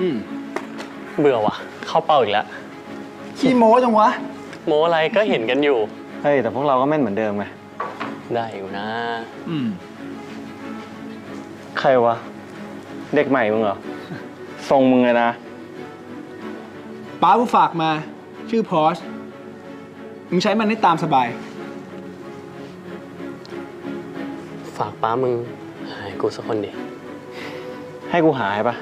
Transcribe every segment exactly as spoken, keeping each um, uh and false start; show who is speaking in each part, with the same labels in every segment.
Speaker 1: อืม
Speaker 2: เบื่อว่ะเข้าเป้าอีกแล้ว
Speaker 1: ขี้โม้จังวะ
Speaker 2: โมอะไรก็เห็นกันอยู่
Speaker 3: เฮ้ยแต่พวกเราก็แม่นเหมือนเดิมไง
Speaker 2: ได้อยู่นะ
Speaker 1: อืม
Speaker 3: ใครวะเด็กใหม่มึงเหรอทรงมึงเลยนะ
Speaker 1: ป้ากูฝากมาชื่อพอชมึงใช้มันได้ตามสบาย
Speaker 2: ฝากป้ามึงหายกูสักคนดิ
Speaker 3: ให้กูหายปะ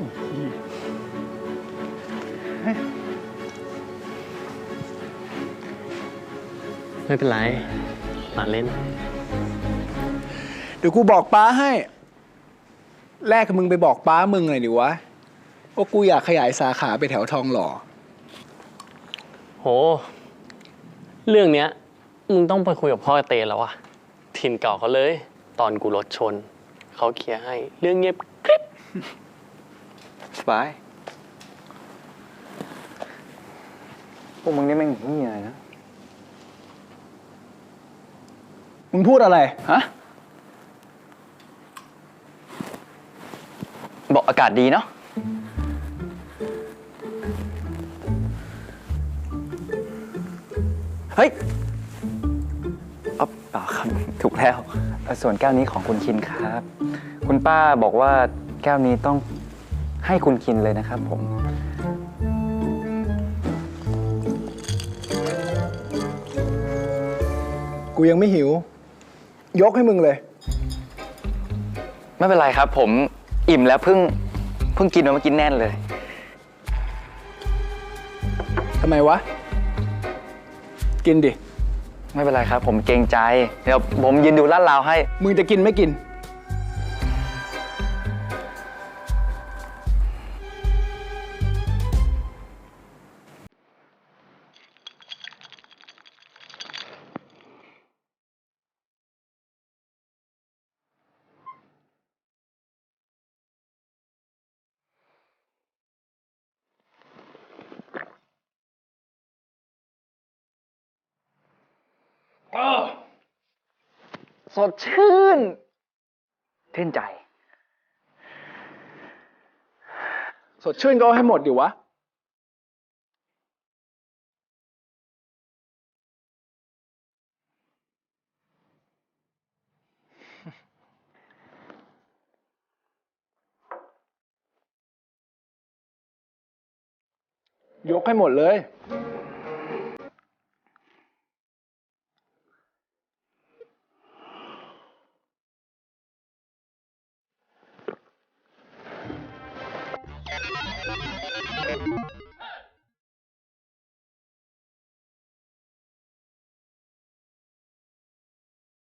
Speaker 2: ไม่เป็นไรมาเล่น
Speaker 1: เดี๋ยวกูบอกป้าให้แรกกับมึงไปบอกป้ามึงหน่อยดิวะว่ากูอยากขยายสาขาไปแถวทองหล่อ
Speaker 2: โหเรื่องเนี้ยมึงต้องไปคุยกับพ่อเตแล้ววะถิ่นเก่าเขาเลยตอนกูรถชนเขาเคลียร์ให้เรื่องเงียบกริบ
Speaker 3: สบายพวกมึงนี่แม่งเหี้ยนะ
Speaker 1: มึงพูดอะไรฮะ
Speaker 3: บอกอากาศดีเนาะเฮ้ยอ๋อเปล่าครับถูกแล้วส่วนแก้วนี้ของคุณคินครับคุณป้าบอกว่าแก้วนี้ต้องให้คุณคินเลยนะครับผม
Speaker 1: กูยังไม่หิวยกให้มึงเลย
Speaker 3: ไม่เป็นไรครับผมอิ่มแล้วเพิ่งเพิ่งกินมาเมื่อกี้แน่นเลย
Speaker 1: ทำไมวะกินดิ
Speaker 3: ไม่เป็นไรครับผมเกรงใจเดี๋ยวผมยืนดูลาดราวให้
Speaker 1: มึงจะกินไม่กิน
Speaker 3: สดชื่นชื่นใจ
Speaker 1: สดชื่นก็ให้หมดดิวะยกให้หมดเลย